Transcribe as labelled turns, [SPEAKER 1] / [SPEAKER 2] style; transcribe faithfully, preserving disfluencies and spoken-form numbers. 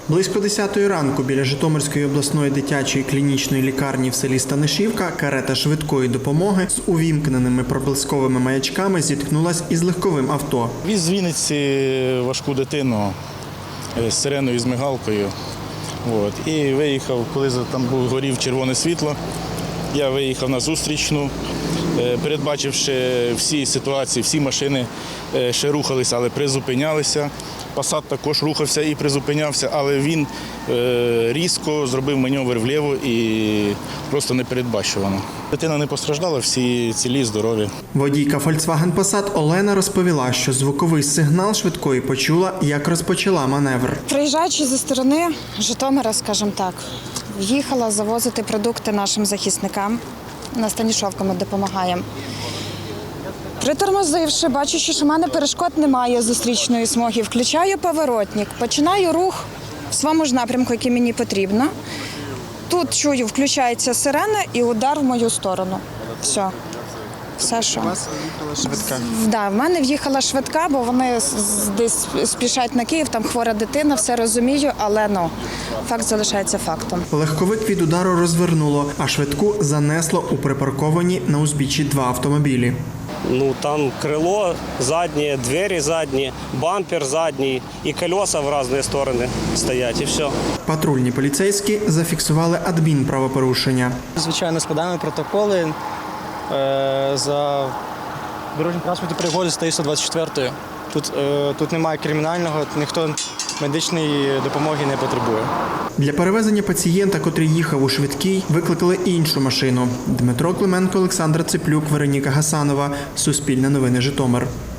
[SPEAKER 1] Близько десятої ранку біля Житомирської обласної дитячої клінічної лікарні в селі Станишівка карета швидкої допомоги з увімкненими проблисковими маячками зіткнулась із легковим авто.
[SPEAKER 2] Віз з Вінниці важку дитину з сиреною, з мигалкою. От. І виїхав, коли там був горів червоне світло, я виїхав на зустрічну, передбачивши всі ситуації, всі машини ще рухалися, але призупинялися. Пасат також рухався і призупинявся, але він різко зробив маневр вліво і просто непередбачувано. Дитина не постраждала, всі цілі, здорові.
[SPEAKER 1] Водійка Volkswagen Passat Олена розповіла, що звуковий сигнал швидкої почула, як розпочала маневр.
[SPEAKER 3] Приїжджаючи зі сторони Житомира, скажімо так, їхала завозити продукти нашим захисникам. На Станішовку ми допомагаємо. Притормозивши, бачучи, що в мене перешкод немає зустрічної смуги, включаю поворотник, починаю рух в своєму ж напрямку, який мені потрібно. Тут чую, включається сирена і удар в мою сторону. Все. Все, що.
[SPEAKER 1] У вас в'їхала швидка?
[SPEAKER 3] Да, в мене в'їхала швидка, бо вони десь спішать на Київ, там хвора дитина, все розумію, але ну, факт залишається фактом.
[SPEAKER 1] Легковик від удару розвернуло, а швидку занесло у припарковані на узбіччі два автомобілі.
[SPEAKER 4] Ну, там крыло заднее, двери задние, бампер задний и колеса в разные стороны стоять, и все.
[SPEAKER 1] Патрульні поліцейські зафіксували адмінправопорушення.
[SPEAKER 5] Звичайно, складаємо протоколи е, за дорожньо транспортні пригоди статтею сто двадцять чотири. Тут, е, тут немає кримінального, ніхто медичної допомоги не потребує.
[SPEAKER 1] Для перевезення пацієнта, котрий їхав у швидкій, викликали іншу машину. Дмитро Клименко, Олександра Циплюк, Вероніка Гасанова. Суспільне новини, Житомир.